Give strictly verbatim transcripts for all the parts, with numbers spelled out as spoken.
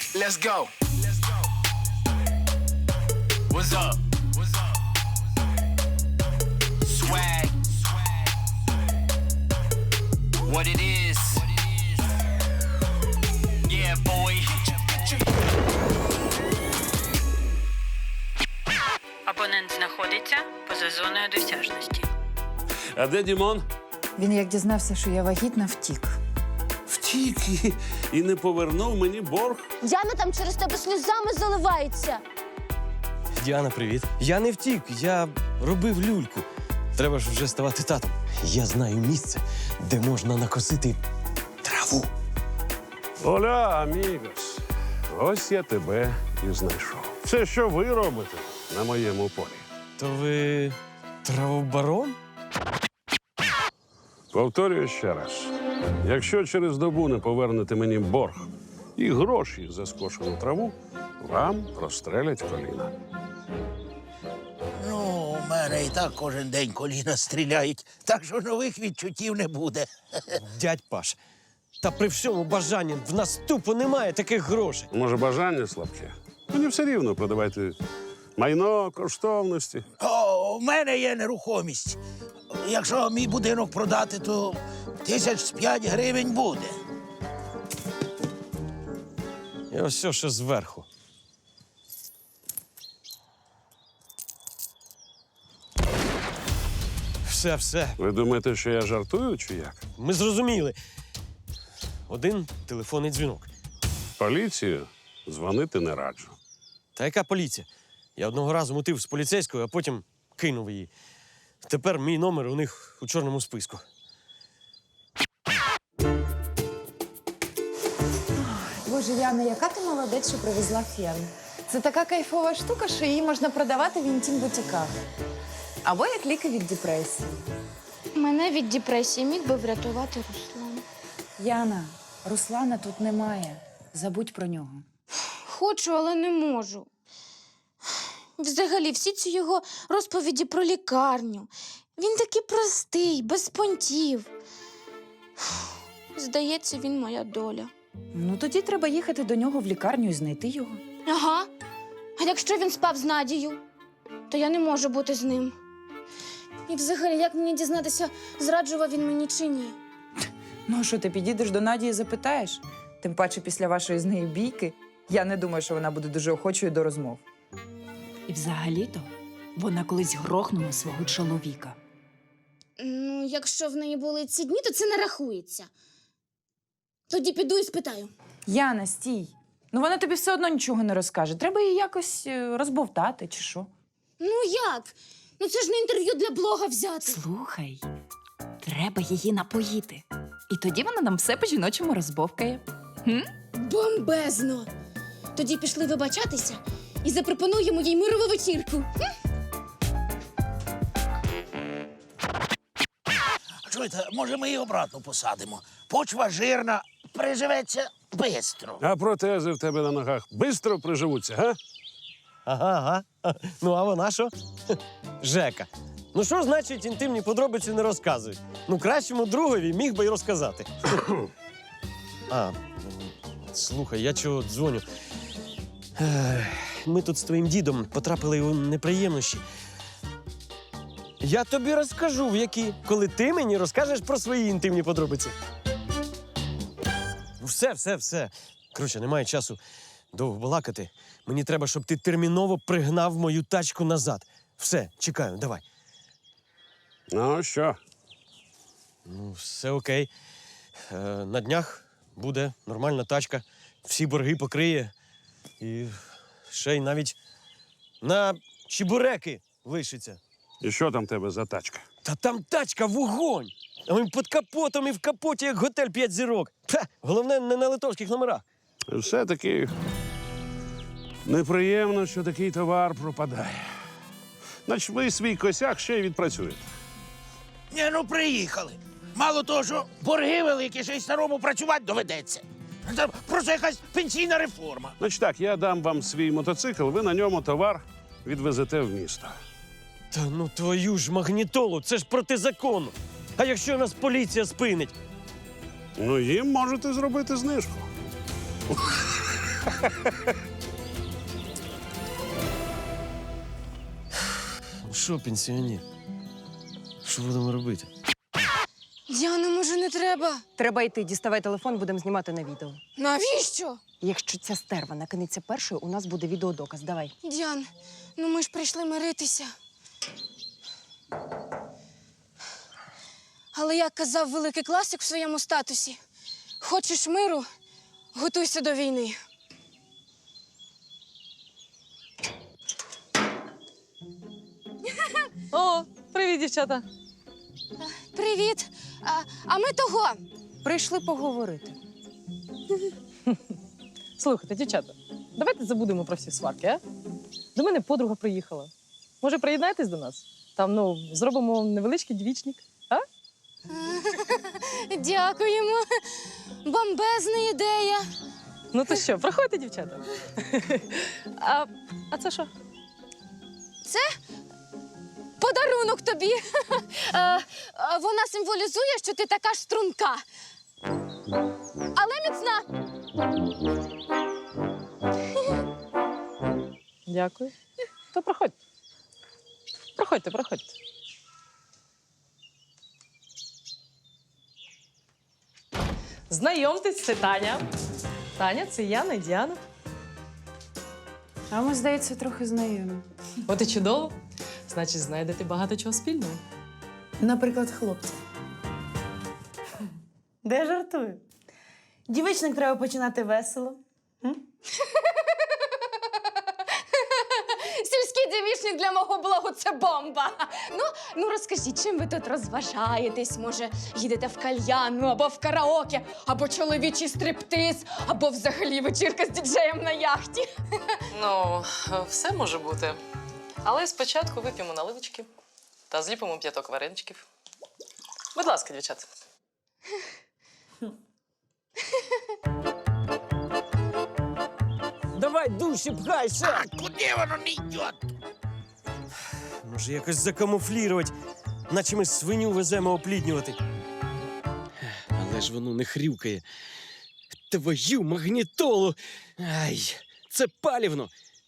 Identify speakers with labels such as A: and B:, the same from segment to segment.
A: Let's go. What's up? What's up? Swag. What it is. Yeah, boy.
B: Абонент знаходиться поза зоною досяжності.
C: А де Дімон?
D: Він, як дізнався, що я вагітна, втік.
C: Втік і, і не повернув мені борг.
E: Яна там через тебе сльозами заливається.
F: Діана, привіт. Я не втік, я робив люльку. Треба ж вже ставати татом. Я знаю місце, де можна накосити траву.
C: Оля, амігос, ось я тебе і знайшов. Це що ви робите на моєму полі?
F: То ви травобарон?
C: Повторюю ще раз. Якщо через добу не повернете мені борг і гроші за скошену траву, вам прострелять коліна.
G: Ну, у мене і так кожен день коліна стріляють, так що нових відчуттів не буде.
F: Дядь Паш, та при всьому бажанні в нас тупо немає таких грошей.
C: Може, бажання слабке? Мені все рівно продавайте майно, коштовності.
G: О, у мене є нерухомість. Якщо мій будинок продати, то тисяч з п'ять гривень буде.
F: І ось все ще зверху. Все, все.
C: Ви думаєте, що я жартую чи як?
F: Ми зрозуміли. Один телефонний дзвінок.
C: Поліцію дзвонити не раджу.
F: Та яка поліція? Я одного разу мутив з поліцейською, а потім кинув її. Тепер мій номер у них у чорному списку.
D: Боже, Яна, яка ти молодець, що привезла фен. Це така кайфова штука, що її можна продавати в інтім-бутіках. Або як ліки від депресії.
E: Мене від депресії міг би врятувати Руслан.
D: Яна, Руслана тут немає. Забудь про нього.
E: Хочу, але не можу. Взагалі, всі ці його розповіді про лікарню. Він такий простий, без понтів. Здається, він моя доля.
D: Ну, тоді треба їхати до нього в лікарню і знайти його.
E: Ага. А якщо він спав з Надією, то я не можу бути з ним. І взагалі, як мені дізнатися, зраджував він мені чи ні?
D: Ну, а що, ти підійдеш до Наді і запитаєш? Тим паче після вашої з нею бійки, я не думаю, що вона буде дуже охочою до розмов.
H: І взагалі-то вона колись грохнула свого чоловіка.
E: Ну, якщо в неї були ці дні, то це не рахується. Тоді піду і спитаю.
D: Яна, стій. Ну, вона тобі все одно нічого не розкаже. Треба її якось е, розбовтати, чи що?
E: Ну як? Ну це ж не інтерв'ю для блога взяти.
H: Слухай, треба її напоїти. І тоді вона нам все по-жіночому розбовкає. Хм?
E: Бомбезно! Тоді пішли вибачатися і запропонуємо їй мирову вечірку.
G: Чуєте, може ми її обратно посадимо? Почва жирна, приживеться бистро.
C: А протези в тебе на ногах бистро приживуться, га?
F: Ага, ага. Ну, а вона що? Жека. Ну, що значить інтимні подробиці не розказують? Ну, кращому другові міг би й розказати. А, слухай, я чого дзвоню? Ех, Ми тут з твоїм дідом потрапили у неприємності. Я тобі розкажу, в які, коли ти мені розкажеш про свої інтимні подробиці. Все, все, все. Коротше, немає часу довго балакати. Мені треба, щоб ти терміново пригнав мою тачку назад. Все, чекаю, давай.
C: Ну, що?
F: Ну, все окей. Е, на днях буде нормальна тачка, всі борги покриє. І ще й навіть на чебуреки лишиться.
C: І що там в тебе за тачка?
F: Та там тачка вогонь! А він під капотом і в капоті, як готель п'ять зірок. Ха, головне, не на литовських номерах.
C: Все-таки неприємно, що такий товар пропадає. Значить, ви свій косяк ще й відпрацюєте.
G: Ні, ну приїхали. Мало того, що борги великі, ще й старому працювати доведеться. Це просто якась пенсійна реформа.
C: Значить так, я дам вам свій мотоцикл, ви на ньому товар відвезете в місто.
F: Та ну твою ж магнітолу, це ж протизаконно. А якщо нас поліція спинить?
C: Ну, їм можете зробити знижку.
F: Ну що, пенсіонер? Що будемо робити?
E: Діана, може, не треба?
I: Треба йти, діставай телефон, будемо знімати на відео.
E: Навіщо?
I: Якщо ця стерва накинеться першою, у нас буде відеодоказ. Давай.
E: Діан, ну ми ж прийшли миритися. Але як казав великий класик в своєму статусі, хочеш миру, готуйся до війни.
J: О, привіт, дівчата.
E: Привіт. А, а ми того.
I: Прийшли поговорити.
J: Слухайте, дівчата, давайте забудемо про всі сварки, а? До мене подруга приїхала. Може, приєднайтесь до нас? Там, ну, зробимо невеличкий двічник, а?
E: Дякуємо. Бомбезна ідея.
J: Ну то що, проходьте, дівчата. А, а це що?
E: Подарунок тобі. Е, е, Вона символізує, що ти така ж струнка. Але міцна.
J: Дякую. То проходьте. Проходьте, проходьте. Знайомтесь, це Таня. Таня, це Яна і Діана.
D: А ми, здається, трохи знайомі.
J: От і чудово. Значить, знайдете багато чого спільного.
K: Наприклад, хлопці. Де жартую? Дівичник треба починати весело.
E: Сільський дівічник для мого блогу – це бомба. Ну, ну розкажіть, чим ви тут розважаєтесь? Може, їдете в кальянну, або в караоке, або чоловічий стриптиз, або взагалі вечірка з діджеєм на яхті.
J: Ну, все може бути. Але спочатку вип'ємо наливочки та зліпимо п'яток вареничків. Будь ласка, дівчата.
F: Давай душі пхайся!
G: А куди воно не йде?
F: Може, якось закамуфлірувати, наче ми свиню веземо опліднювати. Але ж воно не хрюкає. Твою магнітолу! Ай, це палівно!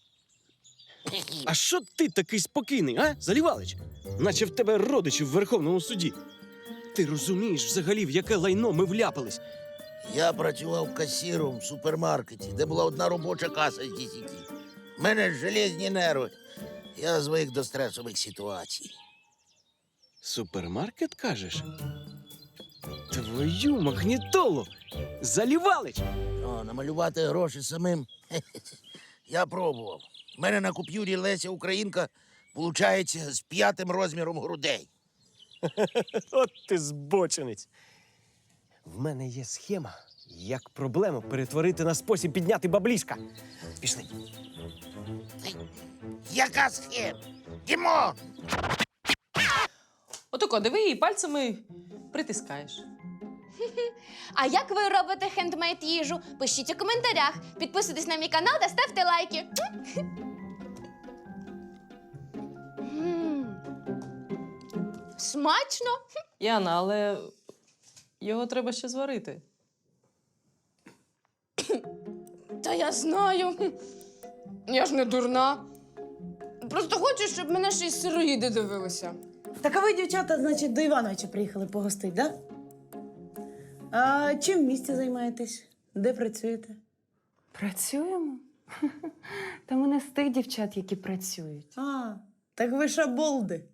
F: А що ти такий спокійний, а, Залівалич? Наче в тебе родичі в Верховному суді. Ти розумієш взагалі, в яке лайно ми вляпались?
G: Я працював касіром в супермаркеті, де була одна робоча каса з десяти. У мене ж железні нерви. Я звик до стресових ситуацій.
F: Супермаркет, кажеш? Твою магнітолу! Залівалич!
G: О, намалювати гроші самим. Я пробував. У мене на купюрі Леся Українка виходить з п'ятим розміром грудей.
F: От ти збочинець. В мене є схема, як проблему перетворити на спосіб підняти баблішка. Пішли.
G: Яка схема? Дімон!
J: Отако, диви її пальцями притискаєш.
E: А як ви робите хендмейд їжу? Пишіть у коментарях, підписуйтесь на мій канал та ставте лайки. М. Смачно!
J: Яна, але його треба ще зварити.
E: Та я знаю. Я ж не дурна. Просто хочу, щоб мене ще й сироїди дивилися.
K: Так а ви, дівчата, значить, до Івановича приїхали погостить, да? А чим в місті займаєтесь? Де працюєте?
D: Працюємо? Та ми не з тих дівчат, які працюють.
K: А, так ви шаболди.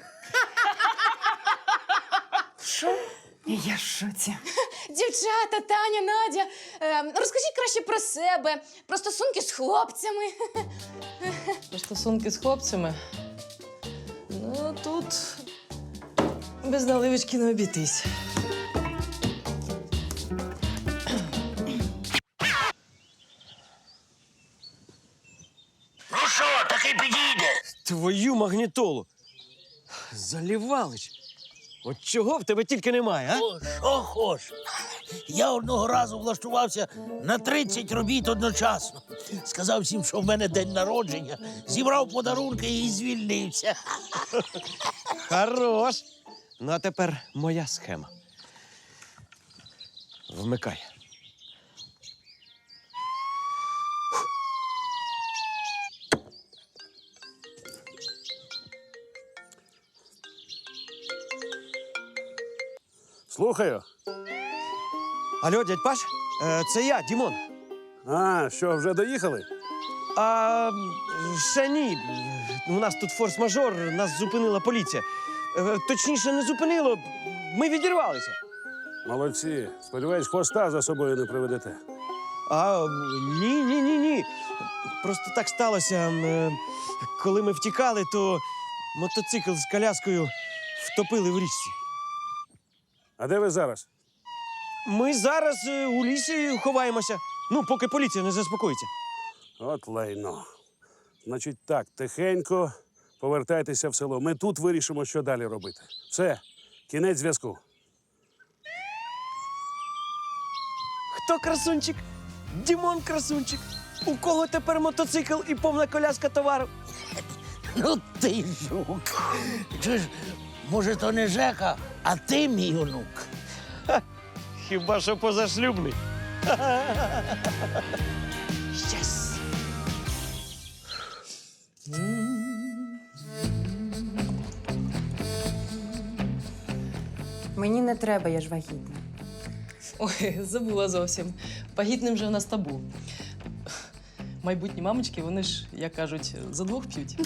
D: Що? Я в шоці.
E: Дівчата, Таня, Надя, е, розкажіть краще про себе, про стосунки з хлопцями.
J: Про стосунки з хлопцями. Ну, тут без наливочки не обійтись.
G: Ну що, таки підійде?
F: Твою магнітолу! Залівалич! От чого в тебе тільки немає, а?
G: О, що хоч? Я одного разу влаштувався на тридцять робіт одночасно. Сказав всім, що в мене день народження, зібрав подарунки і звільнився.
F: Хорош! Ну, а тепер моя схема. Вмикай.
C: Слухаю.
F: Алло, дядь Паш, е, це я, Дімон.
C: А, що, вже доїхали?
F: А ще ні. У нас тут форс-мажор, нас зупинила поліція. Е, Точніше, не зупинило. Ми відірвалися.
C: Молодці. Сподіваюсь, хвоста за собою не приведете.
F: А ні, ні, ні, ні. Просто так сталося. е, Коли ми втікали, то мотоцикл з коляскою втопили в річці.
C: А де ви зараз?
F: Ми зараз е, у лісі ховаємося. Ну, поки поліція не заспокоїться.
C: От лайно. Значить так, тихенько повертайтеся в село. Ми тут вирішимо, що далі робити. Все, кінець зв'язку.
F: Хто красунчик? Дімон красунчик. У кого тепер мотоцикл і повна коляска товару?
G: Ну ти жук. Чи ж, може, то не Жека, а ти мій онук.
F: Хіба що позашлюбний.
G: Щас.
D: Мені не треба, я ж вагітна.
J: Ой, забула зовсім. Вагітним же в нас табу. Майбутні мамочки, вони ж, як кажуть, за двох п'ють.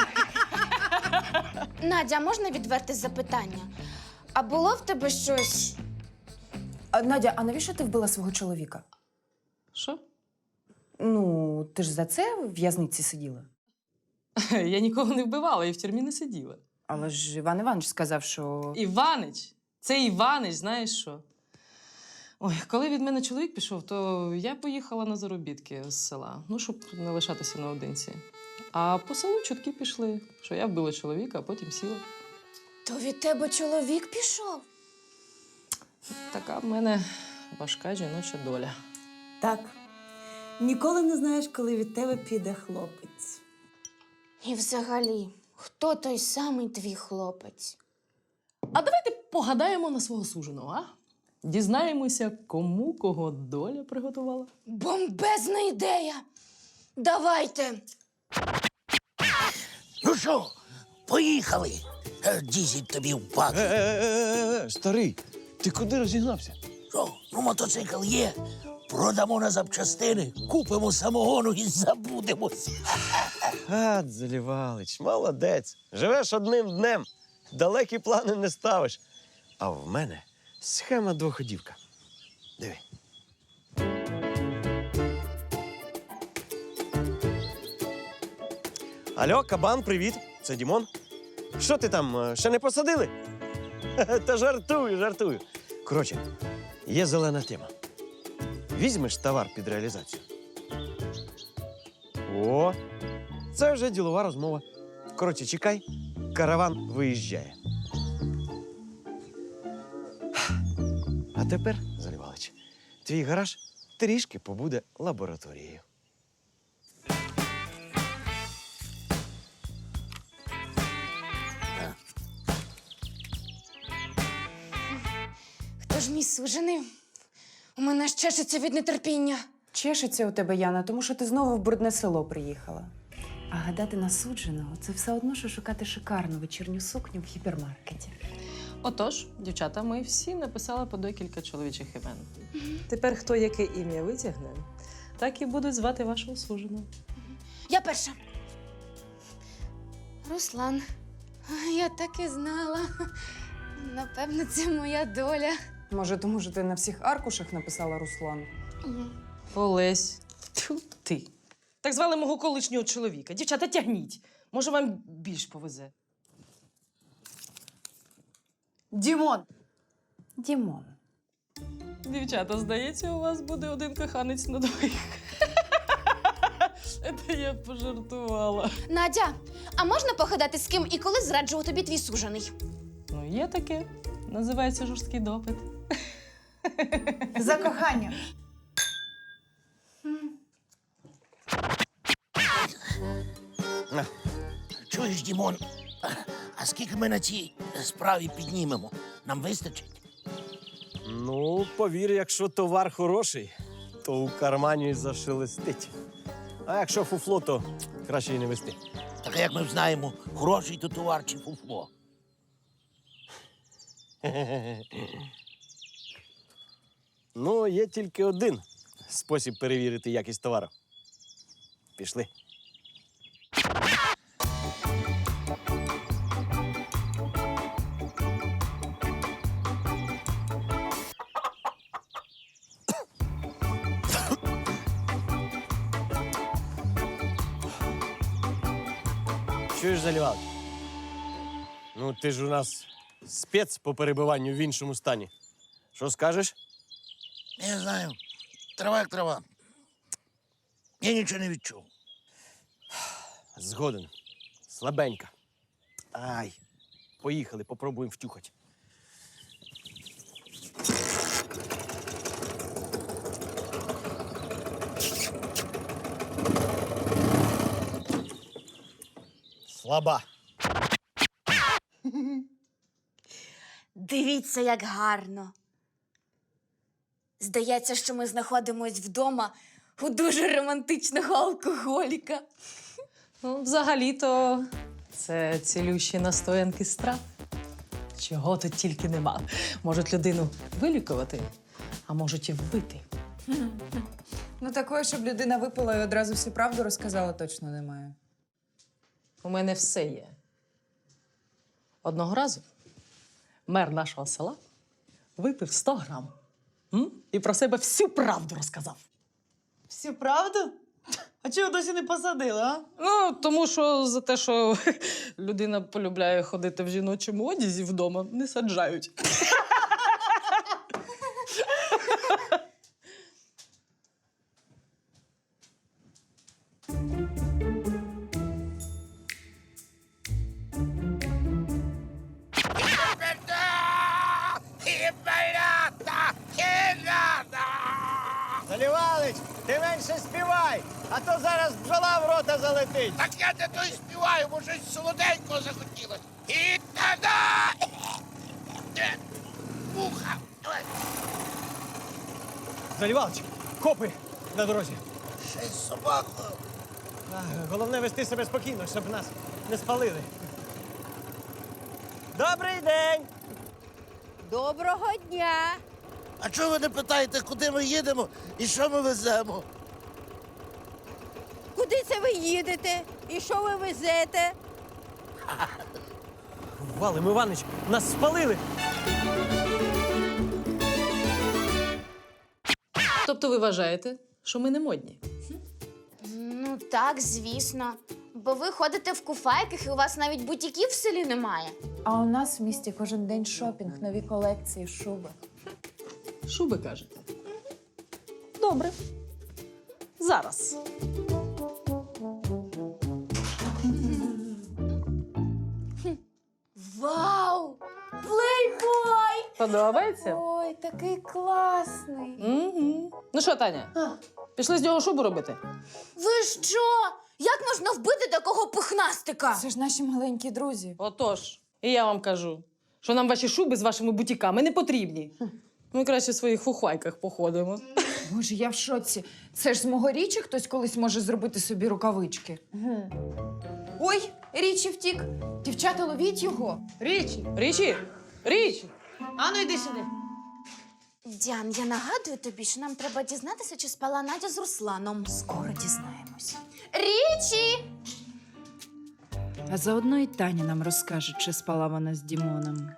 E: Надя, а можна відверте запитання? А було в тебе щось?
D: А, Надя, а навіщо ти вбила свого чоловіка?
J: Що?
D: Ну, ти ж за це в в'язниці сиділа.
J: Я нікого не вбивала і в тюрмі не сиділа.
D: Але ж Іван Іванович сказав, що.
J: Іванич, це Іванич, знаєш що? Ой, коли від мене чоловік пішов, то я поїхала на заробітки з села, ну, щоб не лишатися наодинці. А по селу чутки пішли, що я вбила чоловіка, а потім сіла.
E: То від тебе чоловік пішов?
J: Така в мене важка жіноча доля.
K: Так. Ніколи не знаєш, коли від тебе піде хлопець.
E: І взагалі, хто той самий твій хлопець?
J: А давайте погадаємо на свого суженого, а? Дізнаємося, кому кого доля приготувала.
E: Бомбезна ідея! Давайте!
G: Ну що, поїхали. Е, Дізель тобі в бак.
F: Е-е-е, старий, ти куди розігнався?
G: Що, ну мотоцикл є. Продамо на запчастини, купимо самогону і забудемось.
F: А, Залівалич, молодець. Живеш одним днем, далекі плани не ставиш. А в мене схема двоходівка. Диви. Алло, кабан, привіт. Це Дімон. Що ти там, е, ще не посадили? Та жартую, жартую. Коротше, є зелена тема. Візьмеш товар під реалізацію. О, це вже ділова розмова. Коротше, чекай, караван виїжджає. А тепер, Залівалич, твій гараж трішки побуде лабораторією.
E: Хто ж мій сужений? У мене ж чешеться від нетерпіння.
D: Чешеться у тебе, Яна, тому що ти знову в брудне село приїхала. А гадати на судженого – це все одно, що шукати шикарну вечірню сукню в гіпермаркеті.
J: Отож, дівчата, ми всі написали по декілька чоловічих імен. Тепер хто яке ім'я витягне, так і будуть звати вашого суженого.
E: Я перша. Руслан. Я так і знала. Напевно, це моя доля.
D: Може, тому що ти на всіх аркушах написала Руслан?
J: Олесь. Тьфу ти. Так звали мого колишнього чоловіка. Дівчата, тягніть. Може, вам більш повезе.
K: Дімон!
D: Дімон.
J: Дівчата, здається, у вас буде один коханець на двоїх. Це я пожартувала.
E: Надя, а можна погадати, з ким і коли зраджував тобі твій сужений?
J: Ну, є таке. Називається жорсткий допит.
K: За кохання.
G: Чуєш, Дімон, а скільки ми на цій справі піднімемо? Нам вистачить?
F: Ну, повір, якщо товар хороший, то у кармані зашелестить. А якщо фуфло, то краще й не вести.
G: Так як ми знаємо, хороший то товар чи фуфло?
F: Ну, є тільки один спосіб перевірити якість товару. Пішли. Чуєш, Залівалич? Ну, ти ж у нас спец по перебиванню в іншому стані. Що скажеш?
G: Не знаю. Трава як трава. Я нічого не відчув.
F: Згоден. Слабенька. Ай. Поїхали, попробуємо втюхати. Слаба.
E: Дивіться, як гарно. Здається, що ми знаходимось вдома у дуже романтичного алкоголіка.
J: Ну, взагалі-то це цілющі настоянки з трав. Чого тут тільки нема. Можуть людину вилікувати, а можуть і вбити.
D: Ну, такої, щоб людина випила і одразу всю правду розказала, точно немає.
J: У мене все є. Одного разу мер нашого села випив сто грам. М? І про себе всю правду розказав.
K: Всю правду? А чого досі не посадили, а?
J: Ну, тому що за те, що людина полюбляє ходити в жіночому одязі вдома, не саджають.
F: Залівалич, ти менше співай, а то зараз бджола в рота залетить.
G: Так я не то й співаю, бо щось солоденького захотілося. І та-да! Муха!
F: Залівалич, копи на дорозі.
G: Ще й з собакою.
F: А, головне вести себе спокійно, щоб нас не спалили. Добрий день!
H: Доброго дня!
G: А чого ви не питаєте, куди ми їдемо і що ми веземо?
H: Куди це ви їдете? І що ви везете?
F: Валим Іванич, нас спалили!
J: Тобто ви вважаєте, що ми не модні?
E: Ну так, звісно. Бо ви ходите в куфайках і у вас навіть бутіків в селі немає.
D: А у нас в місті кожен день шопінг, нові колекції, шуби.
J: Шуби кажете? Добре. Зараз.
E: Вау! Плейбой!
J: Подобається?
D: Ой, такий класний.
J: Угу. Ну що, Таня, пішли з нього шубу робити?
E: Ви що? Як можна вбити такого пухнастика?
D: Це ж наші маленькі друзі.
J: Отож, і я вам кажу, що нам ваші шуби з вашими бутіками не потрібні. Ми краще в своїх фухвайках походимо.
D: Боже, я в шоці. Це ж з мого Річі хтось колись може зробити собі рукавички. Ой, Річі втік. Дівчата, ловіть його.
K: Річі,
J: Річі! Річі!
K: ану йди сюди.
E: Діан, я нагадую тобі, що нам треба дізнатися, чи спала Надя з Русланом.
D: Скоро дізнаємось.
E: Річі!
H: А заодно і Таня нам розкаже, чи спала вона з Дімоном.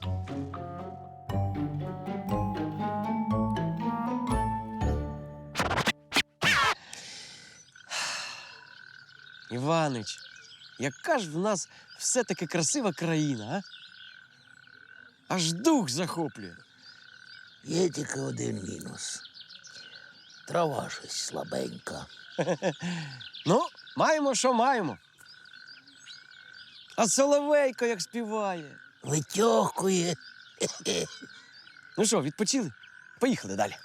F: Іванич, яка ж в нас все-таки красива країна, а? Аж дух захоплює.
G: Є тільки один мінус. Трава щось слабенька.
F: Ну, маємо, що маємо. А соловейко як співає.
G: Витьохує.
F: Ну що, відпочили? Поїхали далі.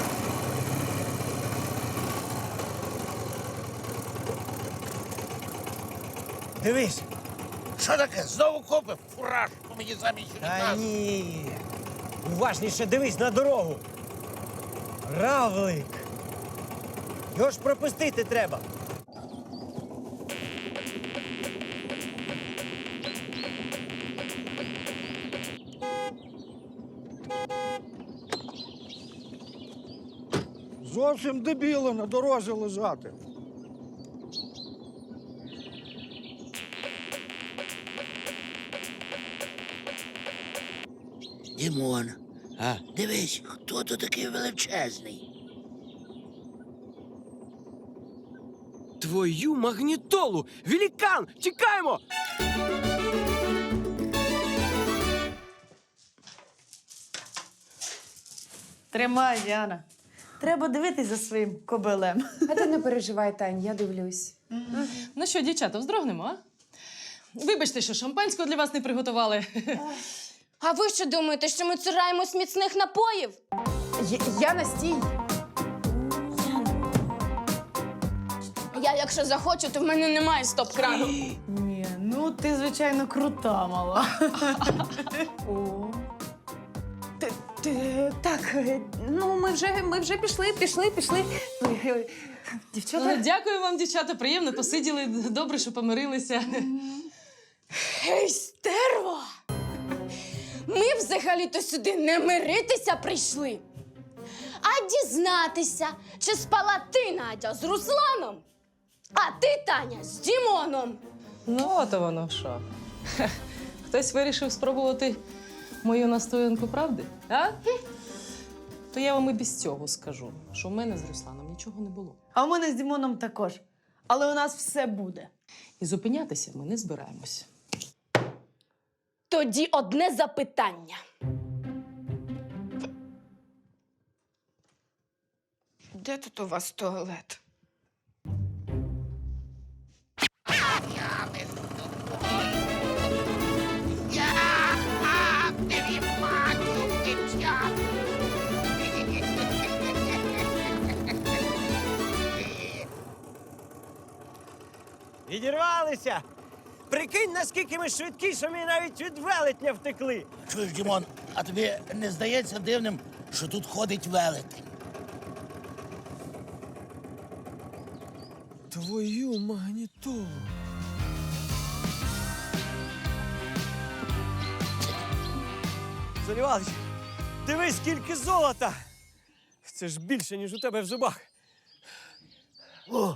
F: Дивись.
G: Що таке? Знову копи? Фуражку мені замість
F: Та
G: унітазу.
F: ні. Уважніше дивись на дорогу. Равлик. Його ж пропустити треба.
L: Чого цим дебілом на дорозі лежати?
G: Дімон, а дивись, хто тут такий величезний?
F: Твою магнітолу! Великан! Тікаємо!
K: Тримай, Діана. Треба дивитись за своїм кобилем.
D: А ти не переживай, Тань, я дивлюсь.
J: Ну що, дівчата, вздрогнемо, а? Вибачте, що шампанського для вас не приготували.
E: А ви що думаєте, що ми цураємось міцних напоїв?
D: Я, я Настій.
E: Я, якщо захочу, то в мене немає стоп-крану.
K: Ні, ну ти, звичайно, крута мала. О.
D: Ти, ти, так, е, ну ми вже, ми вже пішли, пішли, пішли. Е, Дівчата.
J: Ну, дякую вам, дівчата, приємно посиділи. Добре, що помирилися.
E: Гей, стерво! Ми взагалі-то сюди не миритися прийшли, а дізнатися, чи спала ти, Надя, з Русланом, а ти, Таня, з Дімоном.
J: Ну, от воно що. Хе, Хтось вирішив спробувати мою настоянку правди, а? То я вам і без цього скажу, що в мене з Русланом нічого не було.
K: А у мене з Дімоном також. Але у нас все буде.
J: І зупинятися ми не збираємось.
E: Тоді одне запитання. Де тут у вас туалет?
F: Відірвалися! Прикинь, наскільки ми швидкі, що ми навіть від велетня втекли.
G: Чуєш, Дімон, а тобі не здається дивним, що тут ходить велетень?
F: Твою магнітолу. Василь Іванович, дивись, скільки золота! Це ж більше, ніж у тебе в зубах.
G: О!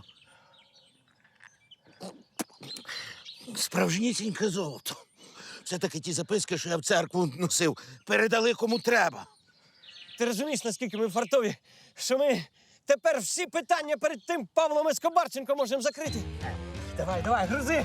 G: Справжнісіньке золото. Це таки ті записки, що я в церкву носив. Передали кому треба.
F: Ти розумієш, наскільки ми фартові, що ми тепер всі питання перед тим Павлом Ескобарченко можемо закрити? Давай, давай, грузи!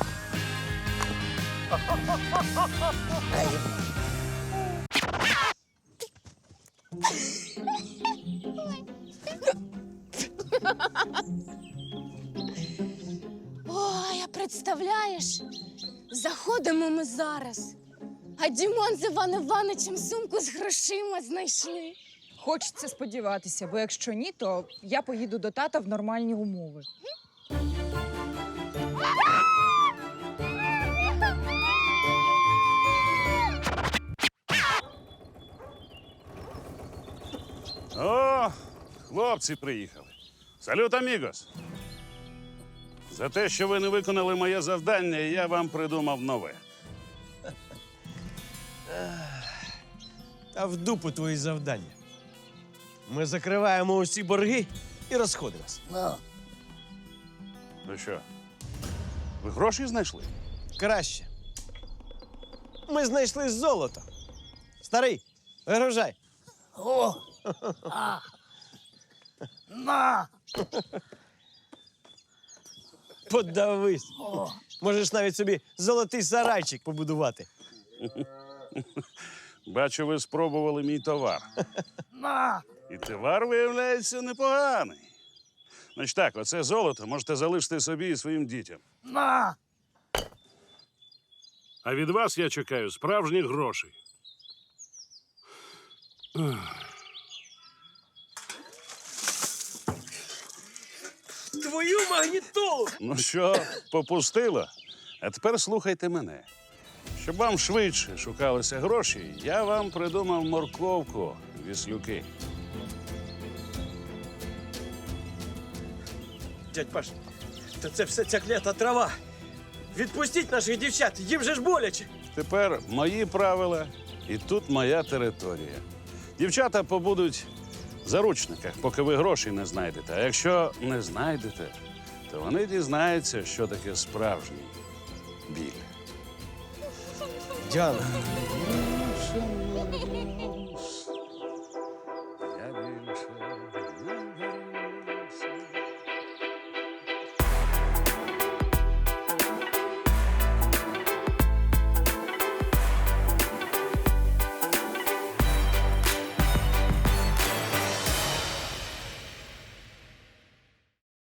E: Ой, а представляєш, заходимо ми зараз, а Дімон з Іваном Івановичем сумку з грошима знайшли.
M: Хочеться сподіватися, бо якщо ні, то я поїду до тата в нормальні умови.
C: О, хлопці приїхали. Салют, амігос! За те, що ви не виконали моє завдання, я вам придумав нове.
F: Та в дупу твої завдання. Ми закриваємо усі борги і розходимося.
G: Ну,
C: Ну що, ви гроші знайшли?
F: Краще. Ми знайшли золото. Старий, вигружай.
G: о! А! На!
F: Подавись.
G: О!
F: Можеш навіть собі золотий сарайчик побудувати.
C: Бачу, ви спробували мій товар.
G: На!
C: І товар, виявляється, непоганий. Значить так, оце золото можете залишити собі і своїм дітям.
G: На!
C: А від вас я чекаю справжніх грошей.
F: Твою магнітолу!
C: Ну що, попустило? А тепер слухайте мене. Щоб вам швидше шукалися гроші, я вам придумав морковку, віслюки.
F: Дядь Паш, та це все ця клята трава. Відпустіть наших дівчат, їм же ж боляче.
C: Тепер мої правила, і тут моя територія. Дівчата побудуть заручниках, поки ви грошей не знайдете. А якщо не знайдете, то вони дізнаються, що таке справжній біль.
F: Діана,